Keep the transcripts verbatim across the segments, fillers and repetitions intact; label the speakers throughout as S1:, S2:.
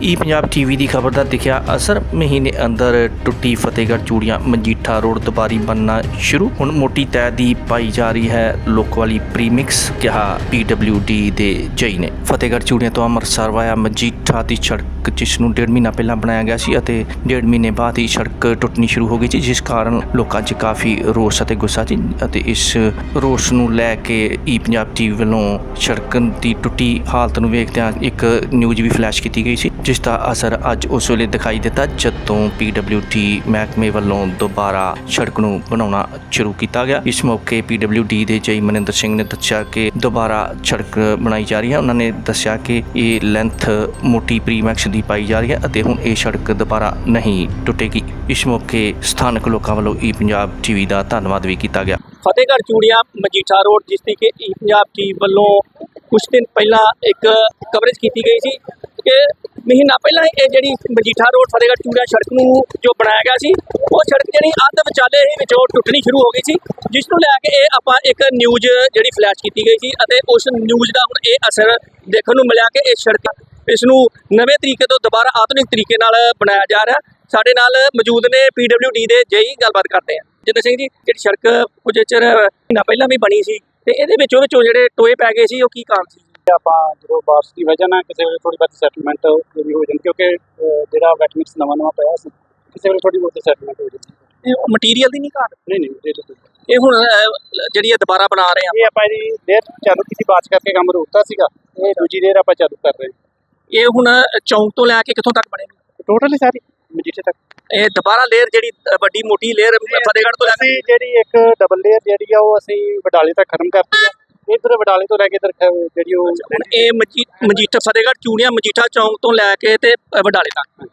S1: ई Punjab TV की खबर का दिखा असर। महीने अंदर टुटी फतेहगढ़ चूड़ियां मजीठा रोड दोबारी बनना शुरू। हुण मोटी तय दी पाई जा रही है लुक वाली प्रीमिक्स, कहा पी डब्ल्यू डी के जई ने। फतेहगढ़ चूड़ियां तो अमृतसर वाया मजीठा की सड़क जिसनूं डेढ़ महीना पहला बनाया गया सी अते डेढ़ महीने बाद ही सड़क टुटनी शुरू हो गई थी, जिस कारण लोगों च काफ़ी रोस अते गुस्सा सी अते इस रोस नूं लैके ई पंजाब टीवी वालों सड़क की टुटी हालत नूं वेखदिआं एक न्यूज़ भी फ्लैश की गई सी, जिसका असर अज उस वेले दिखाई दिता जदों पी डब्ल्यू डी महकमे वालों दोबारा सड़क नूं बनाउणा शुरू किया गया। इस मौके पी डब्ल्यू डी के जई मनिंदर सिंह ने दस्सिया कि दोबारा सड़क बनाई जा रही है। उन्होंने दस्सिया कि ये लेंथ मोटी प्रीमैक्स की पाई जा रही है अते हुण ये सड़क दोबारा नहीं टुटेगी। इस मौके स्थानक लोगों वालों ई पंजाब टीवी का धन्यवाद भी किया गया।
S2: फतेहगढ़ चूड़ियां मजीठा रोड जिसकी कि ई पंजाब टीवी वालों कुछ दिन पहला एक कवरेज की गई थी कि महीना पहला ये जी मजीठा रोड फतेहगढ़ चूड़ियां सड़क नूं जो बनाया गया सी वो सड़क जी अध विचाले ही विचों टुटनी शुरू हो गई सी, जिसनूं लैके ये आपां एक न्यूज़ जी फ्लैश की गई थी अते उस न्यूज़ का हुण ये असर देखने को मिला कि इस सड़क इसनूं नवे तरीके तो दोबारा आधुनिक तरीके नाल बनाया जा रहा। साडे नाल मौजूद ने पी डब्ल्यू डी के जई गलबात करते हैं। जिंदर सिंह जी, जी सड़क कुछ चिर महीना पहला भी बनी सी ते इहदे विचों विचों जिहड़े टोए पै गए सी वो की कारण सी?
S3: ਆਪਾਂ ਜਦੋਂ ਬਾਰਿਸ਼ ਦੀ ਵਜ੍ਹਾ ਨਾਲ ਕਿਸੇ ਵੇਲੇ ਥੋੜੀ ਬਹੁਤੀ ਸੈਟਲਮੈਂਟ ਵੀ ਹੋ ਜਾਂਦੀ, ਕਿਉਂਕਿ ਜਿਹੜਾ ਵੈਟ ਮਿਕਸ ਨਵਾਂ ਨਵਾਂ ਪਿਆ ਸੀ ਕਿਸੇ ਵੇਲੇ ਥੋੜੀ ਬਹੁਤੀ ਸੈਟਲਮੈਂਟ ਹੋ ਜਾਂਦੀ।
S2: ਇਹ ਮਟੀਰੀਅਲ ਦੀ ਨਹੀਂ ਘਾਟ?
S3: ਨਹੀਂ ਨਹੀਂ ਇਹ
S2: ਇਹ ਹੁਣ ਜਿਹੜੀ ਇਹ ਦੁਬਾਰਾ ਬਣਾ ਰਹੇ ਆ,
S3: ਇਹ ਆਪਾਂ ਜੀ ਦੇਰ ਚਾਲੂ ਕੀਤੀ ਬਾਅਦ ਕਰਕੇ ਕੰਮ ਰੋਕਤਾ ਸੀਗਾ, ਇਹ ਦੂਜੀ ਦੇਰ ਆਪਾਂ ਚਾਲੂ ਕਰ ਰਹੇ ਹਾਂ।
S2: ਇਹ ਹੁਣ ਚੌਂਕ ਤੋਂ ਲੈ ਕੇ ਕਿੱਥੋਂ ਤੱਕ ਬਣੇਗੀ?
S3: ਟੋਟਲੀ ਸਾਰੀ ਮਜੀਠੇ ਤੱਕ।
S2: ਇਹ ਦੁਬਾਰਾ ਲੇਅਰ ਜਿਹੜੀ ਵੱਡੀ ਮੋਟੀ ਲੇਅਰ ਫਤਿਹਗੜ੍ਹ ਤੋਂ ਲੈ ਕੇ
S3: ਜਿਹੜੀ ਇੱਕ ਡਬਲ ਲੇਅਰ ਜਿਹੜੀ ਆ ਉਹ ਅਸੀਂ ਬਡਾਲੇ ਤੱਕ ਖਤਮ ਕਰਤੀ ਆ। ਇੱਧਰ ਬਡਾਲੇ ਤੋਂ ਲੈ ਕੇ ਇੱਧਰ ਜਿਹੜੀ ਉਹ
S2: ਹੁਣ ਇਹ ਮਜੀ ਮਜੀਠਾ ਫਤਿਹਗੜ੍ਹ ਚੂੜੀਆਂ ਮਜੀਠਾ ਚੌਂਕ ਤੋਂ ਲੈ ਕੇ ਤੇ ਬਡਾਲੇ ਤੱਕ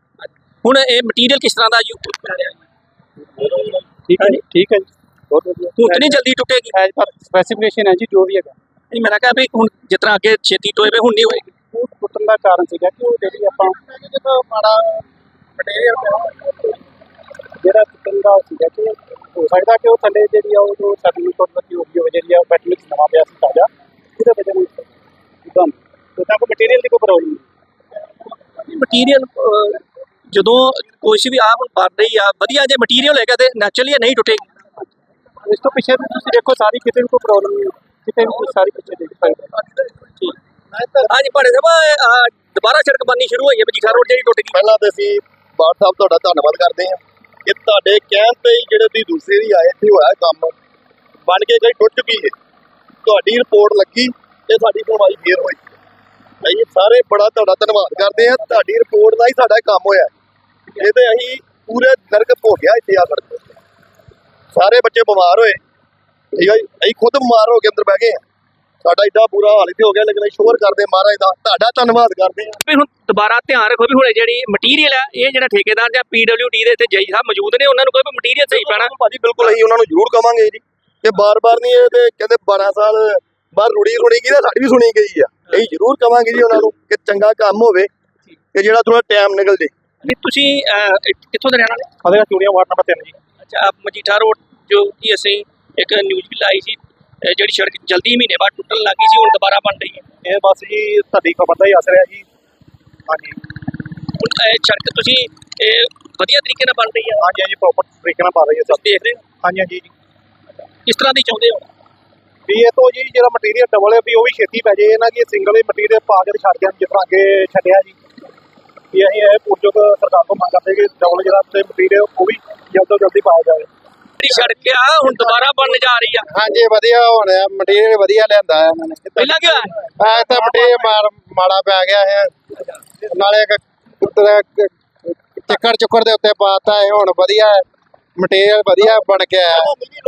S2: ਹੁਣ ਇਹ ਮਟੀਰੀਅਲ ਕਿਸ ਤਰ੍ਹਾਂ ਦਾ ਯੂਜ਼ ਕਰ ਰਿਹਾ?
S3: ਠੀਕ ਹੈ ਜੀ, ਠੀਕ ਹੈ ਜੀ, ਬਹੁਤ ਵਧੀਆ।
S2: ਹੁਣ ਇਤਨੀ ਜਲਦੀ ਟੁੱਟੇਗੀ?
S3: ਐਜ਼ ਪਰ ਸਪੈਸੀਫਿਕੇਸ਼ਨ ਹੈ ਜੀ ਜੋ ਵੀ ਹੈਗਾ।
S2: ਨਹੀਂ, ਮੇਰਾ ਕਿਹਾ ਵੀ ਹੁਣ ਜਿਸ ਤਰ੍ਹਾਂ ਅੱਗੇ ਛੇਤੀ ਟੋਏ ਵੇ ਹੁਣ ਨਹੀਂ ਹੋਏਗੀ।
S3: ਉਹ ਟੁੱਟਣ ਦਾ ਕਾਰਨ ਸੀਗਾ ਕਿ ਉਹ ਜਿਹੜੀ ਆਪਾਂ ਮਾੜਾ ਜਿਹੜਾ ਟੁੱਟਣ ਦਾ ਸੀਗਾ ਕਿ ਹੋ ਸਕਦਾ ਕਿ ਉਹ ਥੱਲੇ ਜਿਹੜੀ ਆ ਉਹ ਜੋ ਸਾਡੀ ਟੁੱਟ ਲੱਗੀ ਹੋ ਗਈ ਹੋਵੇ, ਜਿਹੜੀ ਆ ਬੈਟਰੀ ਨਵਾਂ ਪਿਆ ਸੀ ਤਾਜ਼ਾ, ਉਹਦੇ ਵਜ੍ਹਾ ਨਾਲ ਇੱਕਦਮ ਉਹਦਾ ਕੋਈ ਮਟੀਰੀਅਲ ਦੀ ਕੋਈ ਪ੍ਰੋਬਲਮ ਨਹੀਂ।
S2: ਮਟੀਰੀਅਲ ਜਦੋਂ ਕੁਛ ਵੀ ਆ ਹੁਣ ਬਣ ਰਹੀ ਆ ਵਧੀਆ ਜੇ ਮਟੀਰੀਅਲ ਹੈਗਾ ਤੇ ਨੈਚੁਰਲੀ ਨਹੀਂ ਟੁੱਟੇਗੀ।
S3: ਇਸ ਤੋਂ ਪਿੱਛੇ ਵੀ ਤੁਸੀਂ ਦੇਖੋ ਸਾਰੀ ਕਿਤੇ ਵੀ ਕੋਈ ਪ੍ਰੋਬਲਮ ਨਹੀਂ, ਕਿਤੇ ਵੀ ਸਾਰੀ ਪਿੱਛੇ ਦੇਖ ਸਕਦੇ।
S2: ਠੀਕ ਹਾਂਜੀ ਭਾੜੇ ਸਾਹਿਬ, ਦੁਬਾਰਾ ਸੜਕ ਬਣਨੀ ਸ਼ੁਰੂ ਹੋਈ ਹੈ ਮਜੀਠਾ ਰੋਡ ਜਿਹੜੀ ਟੁੱਟ ਗਈ।
S4: ਪਹਿਲਾਂ ਤੇ ਅਸੀਂ ਬਾਠ ਸਾਹਿਬ ਤੁਹਾਡਾ ਧੰਨਵਾਦ ਕਰਦੇ ਹਾਂ ਕਿ ਤੁਹਾਡੇ ਕਹਿਣ ਤੇ ਹੀ ਜਿਹੜੇ ਤੁਸੀਂ ਦੂਸਰੇ ਦੀ ਆਏ ਇੱਥੇ ਹੋਇਆ ਕੰਮ ਬਣ ਕੇ ਗਈ ਟੁੱਟ ਚੁੱਕੀ ਹੈ। ਤੁਹਾਡੀ ਰਿਪੋਰਟ ਲੱਗੀ ਤੇ ਸਾਡੀ ਸੁਣਵਾਈ ਫੇਰ ਹੋਈ। ਅਸੀਂ ਸਾਰੇ ਬੜਾ ਤੁਹਾਡਾ ਧੰਨਵਾਦ ਕਰਦੇ ਹਾਂ, ਤੁਹਾਡੀ ਰਿਪੋਰਟ ਦਾ ਹੀ ਸਾਡਾ ਕੰਮ ਹੋਇਆ। ਇਹ ਤੇ ਅਸੀਂ ਪੂਰੇ ਨਰਕ ਭੋਗਿਆ ਇੱਥੇ ਆ ਸੜਕ, ਸਾਰੇ ਬੱਚੇ ਬਿਮਾਰ ਹੋਏ, ਠੀਕ ਹੈ ਜੀ, ਅਸੀਂ ਖੁਦ ਬਿਮਾਰ ਹੋ ਕੇ ਅੰਦਰ ਬਹਿ ਗਏ ਹਾਂ। ਸਾਡਾ ਏਡਾ ਬੁਰਾ ਹਾਲ ਇੱਥੇ ਹੋ ਗਿਆ, ਲੇਕਿਨ ਅਸੀਂ ਸ਼ੋਰ ਕਰਦੇ ਮਹਾਰਾਜ ਦਾ ਤੁਹਾਡਾ ਧੰਨਵਾਦ ਕਰਦੇ ਹਾਂ।
S2: ਵੀ ਹੁਣ ਦੁਬਾਰਾ ਧਿਆਨ ਰੱਖੋ ਵੀ ਹੁਣ ਜਿਹੜੀ ਮਟੀਰੀਅਲ ਹੈ ਇਹ ਜਿਹੜਾ ਠੇਕੇਦਾਰ ਜਾਂ ਪੀ ਡਬਲਿਊ ਡੀ ਦੇ ਇੱਥੇ ਜਈ ਸਾਹਿਬ ਮੌਜੂਦ ਨੇ ਉਹਨਾਂ ਨੂੰ ਕੋਈ ਮਟੀਰੀਅਲ ਸਹੀ ਪੈਣਾ।
S4: ਭਾਜੀ ਬਿਲਕੁਲ ਅਸੀਂ ਉਹਨਾਂ ਨੂੰ ਜ਼ਰੂਰ ਕਵਾਂਗੇ ਜੀ ਕਿ ਬਾਰ-ਬਾਰ ਨਹੀਂ ਇਹ ਤੇ ਕਹਿੰਦੇ ਬਾਰਾਂ ਸਾਲ ਬਾਅਦ ਰੁੜੀ ਸੁਣੀ ਗਈ ਤਾਂ ਸਾਡੀ ਵੀ ਸੁਣੀ ਗਈ ਆ। ਅਸੀਂ ਜ਼ਰੂਰ ਕਵਾਂਗੇ ਜੀ ਉਹਨਾਂ ਨੂੰ ਕਿ ਚੰਗਾ ਕੰਮ ਹੋਵੇ ਕਿ ਜਿਹੜਾ ਥੋੜਾ ਟਾਈਮ ਨਿਕਲ ਜੇ।
S2: ਵੀ ਤੁਸੀਂ ਕਿੱਥੋਂ ਦੇ ਰਹਿਣ ਵਾਲੇ?
S3: ਫਤਿਹਗੜ੍ਹ ਚੂੜੀਆਂ ਵਾਰਡ ਨੰਬਰ ਤਿੰਨ ਜੀ।
S2: ਅੱਛਾ, ਮਜੀਠਾ ਰੋਡ ਜੋ ਕਿ ਅਸੀਂ ਇੱਕ ਨਿਊਜ਼ ਵੀ ਲਾਈ ਸੀ ਜਿਹੜੀ ਸੜਕ ਜਲਦੀ ਮਹੀਨੇ ਬਾਅਦ ਟੁੱਟਣ ਲੱਗੀ ਸੀ, ਹੁਣ ਦੁਬਾਰਾ ਬਣ ਰਹੀ ਹੈ।
S3: ਇਹ ਬਸ ਜੀ ਤੁਹਾਡੀ ਖਬਰ ਦਾ ਹੀ ਅਸਰ ਹੈ ਜੀ। ਹਾਂਜੀ,
S2: ਹੁਣ ਇਹ ਸੜਕ ਤੁਸੀਂ ਇਹ ਵਧੀਆ ਤਰੀਕੇ ਨਾਲ ਬਣ ਰਹੀ ਹੈ?
S3: ਹਾਂਜੀ ਹਾਂਜੀ, ਪ੍ਰੋਪਰ ਤਰੀਕੇ ਨਾਲ ਪਾ ਰਹੀ ਹੈ ਸਭ।
S2: ਦੇਖ ਰਹੇ ਹੋ?
S3: ਹਾਂਜੀ ਹਾਂਜੀ ਜੀ।
S2: ਕਿਸ ਤਰ੍ਹਾਂ ਦੀ ਚਾਹੁੰਦੇ ਹੋ
S3: ਵੀ ਇਹ ਤੋਂ ਜੀ ਜਿਹੜਾ ਮਟੀਰੀਅਲ ਡਬਲ ਹੈ ਵੀ ਉਹ ਵੀ ਛੇਤੀ ਪੈ ਜੇ, ਇਹਨਾਂ ਕਿ ਸਿੰਗਲ ਹੀ ਮਟੀਰੀਅਲ ਪਾ ਕੇ ਛੱਡ ਜਾਣ ਜਿਸ ਤਰ੍ਹਾਂ ਅੱਗੇ ਛੱਡਿਆ ਜੀ। ਵੀ ਅਸੀਂ ਇਹ ਪੁਰਜੋਗ ਸਰਕਾਰ ਤੋਂ ਮੰਗ ਕਰਦੇ ਕਿ ਡਬਲ ਜਿਹੜਾ ਤੇ ਮਟੀਰੀਅਲ ਉਹ ਵੀ ਜਲਦ ਤੋਂ ਜਲਦੀ ਪਾਇਆ ਜਾਵੇ।
S2: ਜਿਹੜੀ ਸੜਕ ਆ ਹੁਣ ਦੁਬਾਰਾ ਬਣਨ ਜਾ ਰਹੀ ਆ।
S3: ਹਾਂਜੀ, ਵਧੀਆ ਹੋਣਾ, ਮਟੀਰੀਅਲ ਵਧੀਆ ਲਿਆਂਦਾ ਹੈ ਇਹਨਾਂ ਨੇ।
S2: ਪਹਿਲਾਂ ਕੀ ਹੋਇਆ?
S3: ਐ ਤਾਂ ਮਟੀਰੀਅਲ ਮਾੜਾ ਪੈ ਗਿਆ ਹੈ, ਨਾਲੇ ਚੱਕਰ ਚੁੱਕਰ ਦੇ ਉੱਤੇ ਪਾਤਾ ਹੈ, ਹੁਣ ਵਧੀਆ ਮਟੀਰੀਅਲ ਵਧੀਆ ਬਣ ਕੇ ਆਇਆ।